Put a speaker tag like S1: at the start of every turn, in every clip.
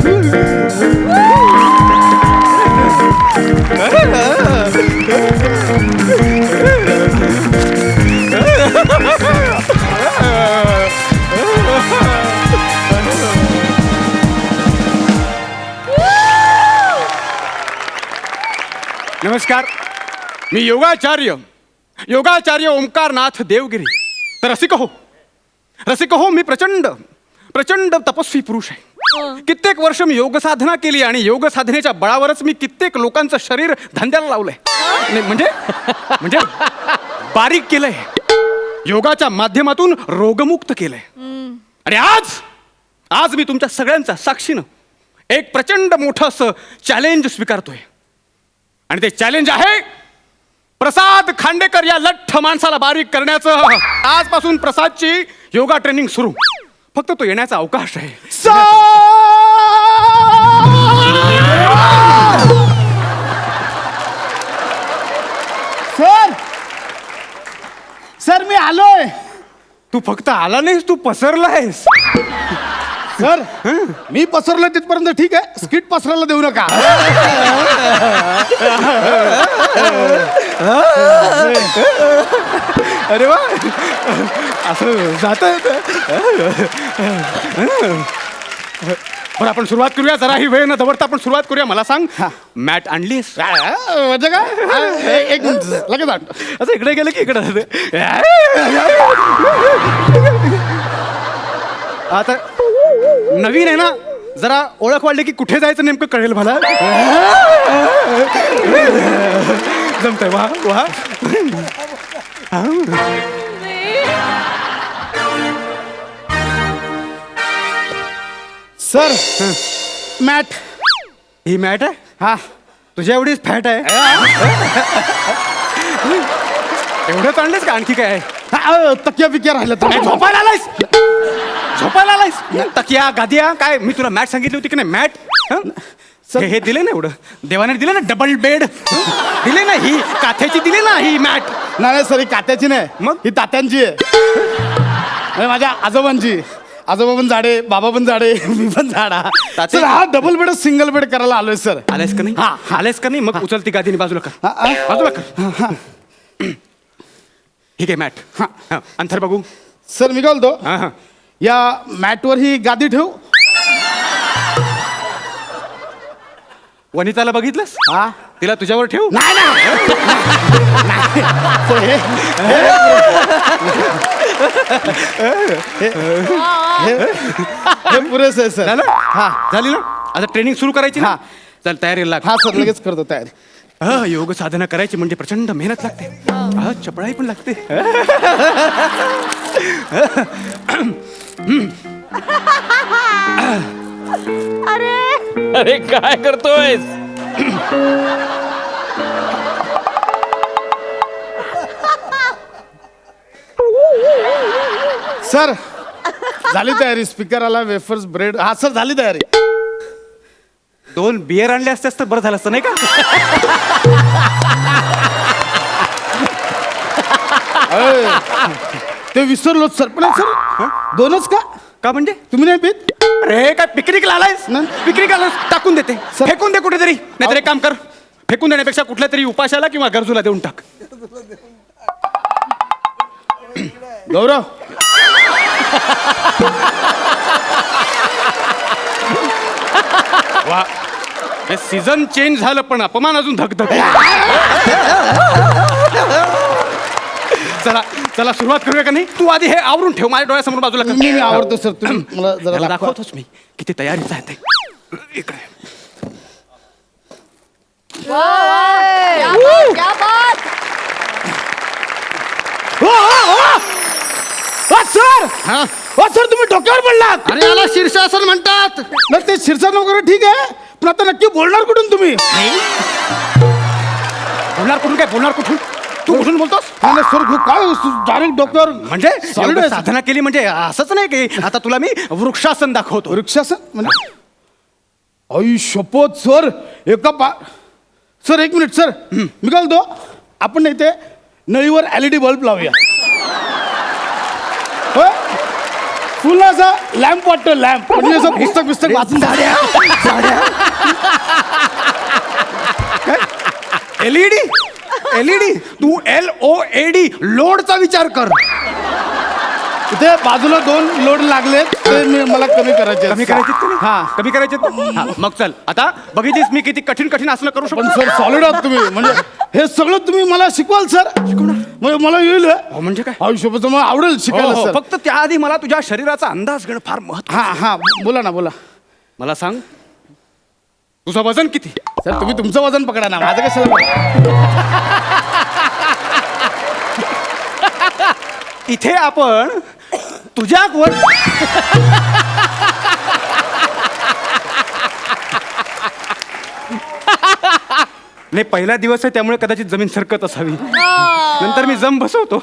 S1: नमस्कार, मी योगाचार्य ओंकारनाथ देवगिरी. तर रसिक हो, मी प्रचंड तपस्वी पुरुष आहे. कित्येक वर्ष मी योग साधना केली आणि योग साधनेच्या बळावरच मी कित्येक लोकांचं शरीर धंद्याला लावलंय. म्हणजे बारीक केलंय, योगाच्या माध्यमातून रोगमुक्त केलंय. आणि आज मी तुमच्या सगळ्यांचा साक्षीनं एक प्रचंड मोठं असं चॅलेंज स्वीकारतोय. आणि ते चॅलेंज आहे प्रसाद खांडेकर या लठ्ठ माणसाला बारीक करण्याचं. आजपासून प्रसादची योगा ट्रेनिंग सुरू. फक्त तो येण्याचा अवकाश आहे.
S2: सर मी आलोय.
S1: तू फक्त आला नाहीस, तू पसरलायस.
S2: सर मी पसरलो तिथपर्यंत ठीक आहे, स्किट पसरायला देऊ नका.
S1: अरे वा, असं जात. बरं, आपण सुरुवात करूया. जरा ही वेळ न दवडता आपण सुरुवात करूया. मला सांग, मॅट आणलीस?
S2: म्हणजे काय, एक मिनिट लगेच आण.
S1: असं इकडे गेलं की इकडे. आता नवीन आहे ना, जरा ओळख वाढली की कुठे जायचं नेमकं कळेल मला. जमतंय. वा वा.
S2: Sir mat.
S1: ही मॅट आहे?
S2: हा.
S1: तुझ्या एवढीच फॅट आहे? एवढंच आणलंस का आणखी काय आहे?
S2: तकिया बिकिया राहिलं तर.
S1: झोपायला आलायस? तकिया गादिया काय? मी तुला मॅट सांगितली होती की नाही? मॅट हे दिले ना, एवढं देवाने दिले ना. डबल बेड दिले ना, ही काथ्याची दिली ना ही मॅट.
S2: नाही सर, ही कात्याची नाही,
S1: मग
S2: ही तात्यांची आहे. माझ्या आजोबांची. आजोबा पण जाडे, बाबा पण जाडे, मी पण जाडा. सर हा डबल बेड सिंगल बेड करायला आलोय सर.
S1: आलेस का नाही? हा, आलेस का नाही? मग उचल ती गादीने बाजूला कर. बाजूला कर. ठीक आहे, मॅट. हा, अंतर बघू.
S2: सर मी काय बोलतो,
S1: हा हा,
S2: या मॅटवर ही गादी ठेवू.
S1: वनिताला बघितलंस?
S2: हा.
S1: तिला तुझ्यावर ठेवू?
S2: नाही हे पुरेस आहे सर.
S1: झालं?
S2: हा
S1: झाली ना? आता ट्रेनिंग सुरू करायची ना.
S2: हा.
S1: चल, तयारीला लाग.
S2: हा सर, लगेच करतो तयारी.
S1: योग साधना करायची म्हणजे प्रचंड मेहनत लागते. चपळाई पण लागते.
S3: अरे काय करतोय?
S2: सर झाली तयारी. स्पीकर आला, वेफर्स, ब्रेड. हा सर झाली तयारी.
S1: 2 बियर आणले असतेस तर बरं झालं असतं नाही का?
S2: ते विसरलो सर. पण सर 2च का?
S1: का म्हणजे?
S2: तुम्ही नाही पीत?
S1: अरे काय पिकनिकला आलायस?
S2: नाही.
S1: पिकनिक आलास, टाकून देते.
S2: सर.
S1: फेकून दे कुठेतरी. नाहीतर एक काम कर, फेकून देण्यापेक्षा कुठल्या तरी उपाशाला किंवा गरजूला देऊन टाक.
S2: गौरव
S1: वा, हे सीझन चेंज झालं पण अपमान अजून धगधग. चला चला, सुरुवात करूया का नाही? तू आधी हे आवरून ठेव माझ्या डोळ्यासमोर बाजूला कर.
S2: मी आवडतो सर. तुम्ही मला जरा
S1: त्याला
S2: दाखवा.
S1: दाखवतोच मी किती तयारीच आहे ते. इकडे
S4: क्या बात.
S2: सर सर तुम्ही डोक्यावर पडलात.
S1: अरे याला शीर्षासन म्हणतात.
S2: नाही ते शीर्षण वगैरे ठीक आहे, पण आता नक्की बोलणार कुठून तुम्ही?
S1: बोलणार कुठून? काय बोलणार कुठून? तू कुठून बोलतोस?
S2: नाही सर, काय डायरेक्ट डोक्यावर.
S1: म्हणजे एवढं साधना केली म्हणजे असंच नाही की आता तुला मी वृक्षासन दाखवतो.
S2: वृक्षासन म्हणजे? आई शपथ सर. सर एक मिनिट सर, मी काय बोलतो, आपण इथे नळीवर LED बल्ब लावूया. फुल असं लॅम्प वाटतो लॅम्प म्हणजे असं पुस्तक वाचून
S1: एलईडी तू LOAD लोडचा विचार कर.
S2: इथे बाजूला 2 लोड लागले ते मला कमी करायचे
S1: कमी करायचे
S2: हा
S1: कमी करायचे मग चल आता बघितलीस मी किती कठीण कठीण आसनं करू
S2: पण
S1: शकतो.
S2: सर सॉलिड आहात तुम्ही म्हणजे हे सगळं तुम्ही मला शिकवाल सर म्हणजे मला येईल
S1: म्हणजे काय
S2: आयुष्यापासून मला आवडेल शिकायला
S1: हो,
S2: सर
S1: फक्त त्याआधी मला तुझ्या शरीराचा अंदाज घेणं फार महत्व.
S2: हा बोला ना बोला
S1: मला सांग तुझं वजन किती.
S2: सर तुम्ही तुमचं वजन पकडा ना माझं कशाला पकडा?
S1: इथे आपण तुझ्या वर नाही पहिला दिवस आहे त्यामुळे कदाचित जमीन सरकत असावी नंतर मी जम बसवतो.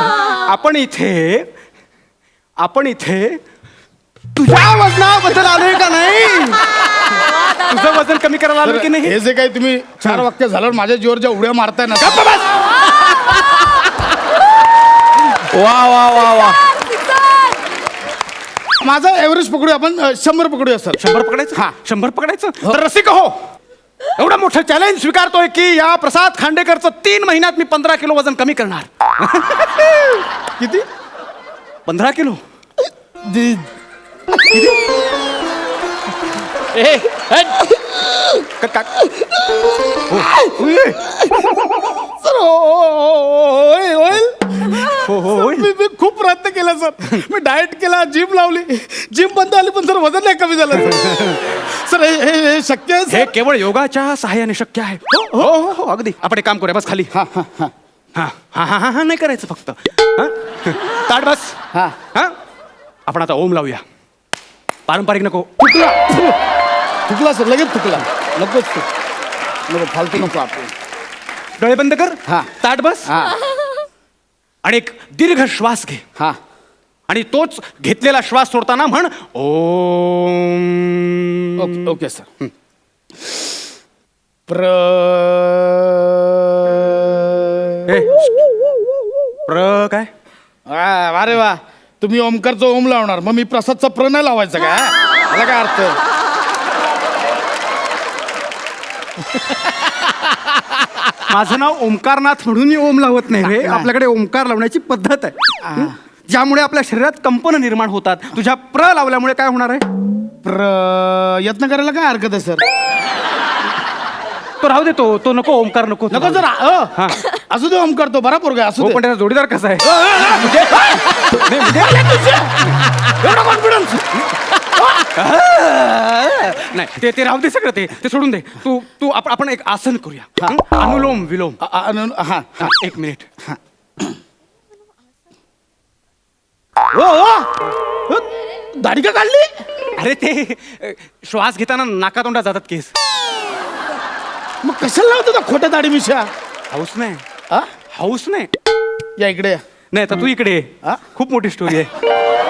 S1: आपण इथे तुझ्या वजनाबद्दल आलोय का नाही. तुझं वजन कमी करायला आलोय की नाही.
S2: हे जे काही तुम्ही 4 वाक्य झाल्यावर माझ्या जीवर ज्या उड्या मारताय ना वा वा वा वा माझा एव्हरेज पकडूया आपण 100 पकडूया सर
S1: 100 पकडायचं
S2: हा.
S1: 100 पकडायचं तर रसिक हो एवढं मोठं चॅलेंज स्वीकारतोय की या प्रसाद खांडेकरचं 3 महिन्यात मी 15 किलो वजन कमी करणार.
S2: किती
S1: 15 किलो
S2: सर होईल मी खूप प्रयत्न केला सर मी डाएट केला जिम लावली जिम बंद आली पण सर वजन नाही कमी झालं सर हे शक्य आहे
S1: हे केवळ योगाच्या सहाय्याने शक्य आहे. हो हो हो अगदी आपण एक काम करूया बस खाली.
S2: हा हा हा
S1: हा हा हा हा नाही करायचं फक्त हा? ताट बस
S2: हा
S1: हा आपण आता ओम लावूया. पारंपरिक नको
S2: थुकला सर लगेच थुकला नकोच नको फालतू नको आपण
S1: डोळे बंद कर.
S2: हा.
S1: ताट बस
S2: हा
S1: आणि एक दीर्घ श्वास घे
S2: हा
S1: आणि तोच घेतलेला श्वास सोडताना म्हण ओम.
S2: ओके ओके सर
S1: ए, काय
S2: अरे वा तुम्ही ओमकारचं ओम लावणार मग मी प्रसादचा प्र नाही लावायचा का मला काय अर्थ
S1: माझं नाव ओमकारनाथ म्हणून मी ओम लावत नाही रे. आपल्याकडे ओमकार लावण्याची पद्धत आहे ज्यामुळे आपल्या शरीरात कंपन निर्माण होतात. तुझ्या प्र लावल्यामुळे काय होणार आहे.
S2: यत्न करायला काय हरकत आहे सर
S1: तो राहू दे तो नको ओमकार नको
S2: नको जर असू दे ओमकार तो बरा पोरगा असू
S1: हो
S2: दे
S1: पण त्याचा जोडीदार कसा आहे.
S2: एवढा कॉन्फिडन्स
S1: नाही ते राहू दे सगळं ते सोडून दे. तू आपण एक आसन करूया. अनुलोम विलोम.
S2: हा
S1: हा, 1 मिनिट.
S2: दाढी का काढली
S1: अरे ते श्वास घेताना नाकातोंडात जातात केस.
S2: मग कशाला लावतो खोट्या दाढी मिशा
S1: हाऊस नाही
S2: हा?
S1: हाऊस नाही.
S2: या इकडे
S1: नाही तर तू इकडे ये.
S2: हा?
S1: खूप मोठी स्टोरी आहे.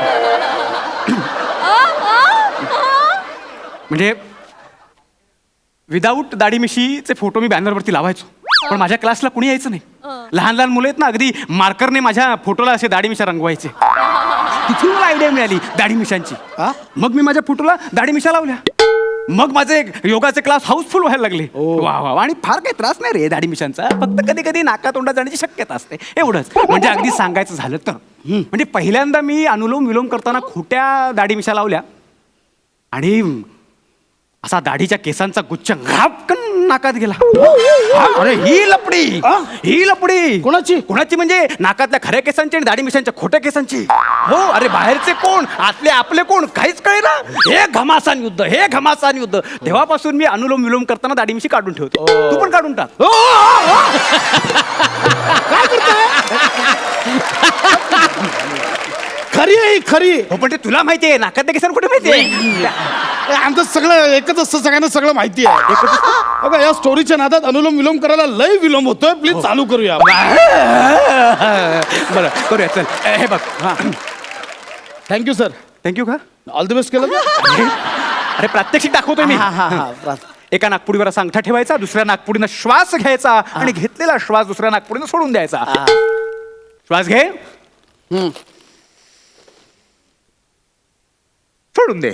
S1: म्हणजे विदाऊट दाढी मिशीचे फोटो मी बॅनरवरती लावायचो पण माझ्या क्लासला कुणी यायचं नाही. लहान लहान मुलं आहेत ना अगदी मार्करने माझ्या फोटोला असे दाढी मिशा रंगवायचे. तिथून मला आयडिया मिळाली दाढी मिशांची. मग मी माझ्या फोटोला दाढी मिशा लावल्या. मग माझे योगाचे क्लास हाऊसफुल व्हायला लागले. वा वा आणि फार काही त्रास नाही रे दाढी मिशांचा. फक्त कधी कधी नाकातोंडात जाण्याची शक्यता असते एवढंच. म्हणजे अगदी सांगायचं झालं तर म्हणजे पहिल्यांदा मी अनुलोम विलोम करताना खोट्या दाढी मिशा लावल्या आणि असा दाढीच्या केसांचा गुच्छ घापकन नाकात गेला. अरे ही लपडी कोणाची म्हणजे नाकातल्या खऱ्या केसांची आणि दाढी मिशांच्या खोट्या केसांची. हो अरे बाहेरचे कोण आतले आपले कोण काहीच कळेना. हे घमासान युद्ध. तेव्हापासून मी अनुलोम विलोम करताना दाढी मिशी काढून ठेवतो. तू पण काढून टाक.
S2: काय करतोय खरी आहे खरी.
S1: हो पण ते तुला माहिती आहे नाकातल्या केसांना कुठे माहिती आहे.
S2: आमचं सगळं एकच असतं सगळ्यांना सगळं माहिती आहे. बघा या स्टोरीच्या नादात अनुलोम विलोम करायला लय विलोम होतोय. प्लीज चालू करूया.
S1: बरं करूया चल. हे बघ
S2: थँक्यू सर.
S1: थँक्यू का
S2: ऑल द बेस्ट केलं.
S1: अरे प्रात्यक्षिक दाखवतोय मी. एका नागपुडीवर असा अंगठा ठेवायचा दुसऱ्या नागपुडीनं श्वास घ्यायचा आणि घेतलेला श्वास दुसऱ्या नागपुडीनं सोडून द्यायचा. श्वास घे सोडून दे.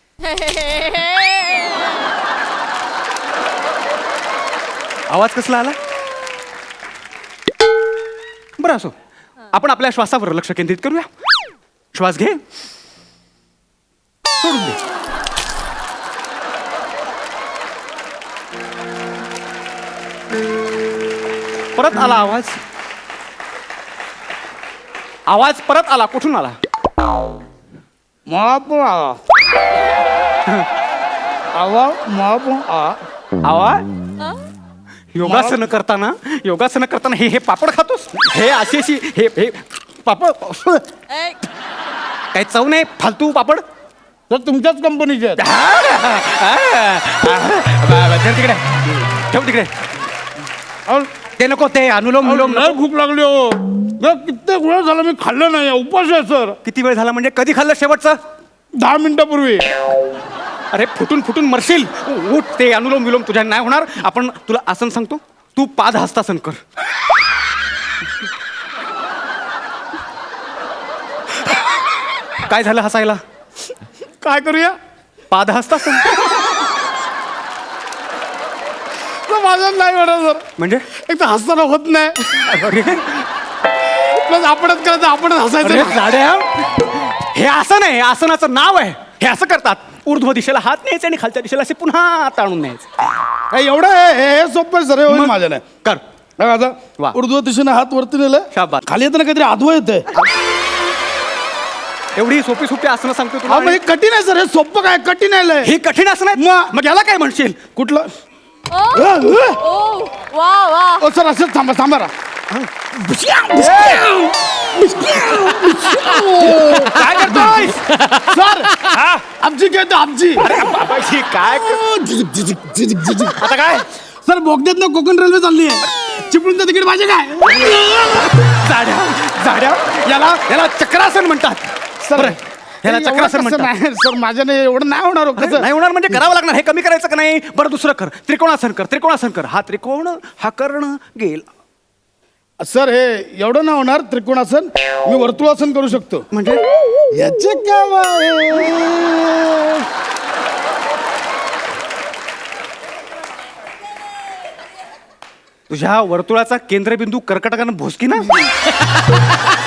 S1: आवाज कसला आला? बरं असो, आपण आपल्या श्वासावर लक्ष केंद्रित करूया. श्वास घे, सोडून दे. परत आला आवाज. आवाज परत आला. कुठून आला?
S2: मला पण आला आवाज, मला पण आला
S1: आवाज. योगासन करताना हे पापड खातोस? हे अशी हे पापड काही चव नाही, फालतू पापड.
S2: तर तुमच्याच कंपनीचे आहेत.
S1: धर तिकडे, ठेव तिकडे.
S2: अहो,
S1: ते नको, ते अनुलोम विलोम
S2: लय
S1: नको.
S2: भूक लागली हो. कित्येक वेळ झाला मी खाल्लं नाही, उपास आहे सर.
S1: किती वेळ झाला म्हणजे? कधी खाल्लं शेवटचं?
S2: 10 मिनिटापूर्वी.
S1: अरे फुटून मरशील. उठ, ते अनुलोम विलोम तुझ्या नाही होणार. आपण तुला आसन सांगतो, तू पादहस्तासन कर. काय झालं हसायला?
S2: काय करूया?
S1: पादहस्तासन.
S2: माझं नाही होणार सर.
S1: म्हणजे
S2: एक तर हसताना होत नाही,
S1: अरे,
S2: प्लस आपणच करायचं, आपणच हसायचं.
S1: अरे साड्या, हे आसन आहे, आसनाचं नाव आहे. हे असं करतात, ऊर्ध्व दिशेला हात न्यायचे आणि खालच्या दिशेला असे पुन्हा ताणून न्यायचे.
S2: काय एवढं हे सोपं सर होईल माझ्या नाही.
S1: कर.
S2: बघा आता
S1: वा.
S2: उर्ध्व दिशेने हात वरती नेलं,
S1: शाबास.
S2: खाली येताना काहीतरी आधवं येतंय.
S1: एवढी सोपी आसनं सांगतो तुला.
S2: अहो, म्हणजे कठीण आहे सर, हे सोपं काय कठीण आहे.
S1: हे कठीण आसन आहे. मग याला काय म्हणशील?
S2: कुठलं?
S3: वा वा.
S2: ओ सर, असंच थांबा थांबा.
S1: काय करतोय?
S2: सर आमची घेतो आमची.
S1: बाबाजी, काय आता काय?
S2: सर बोगद्यात ना कोकण रेल्वे चालली आहे, चिपळूणचं तिकीट पाहिजे काय?
S1: जाड्या याला चक्रासन म्हणतात.
S2: सर
S1: बरं, याला चक्रासन म्हणतात.
S2: सर माझ्याने एवढं नाही होणार हो. कसं
S1: नाही होणार म्हणजे करावं लागणार. हे कमी करायचं का नाही? बरं दुसरं कर. त्रिकोणासन कर. हा त्रिकोण, हा कर्ण गेला.
S2: सर हे एवढं नाही होणार त्रिकोणासन. मी वर्तुळासन करू शकतो.
S1: म्हणजे
S2: याचे काय?
S1: तुझ्या वर्तुळाचा केंद्रबिंदू कर्कटकानं भोसकी ना.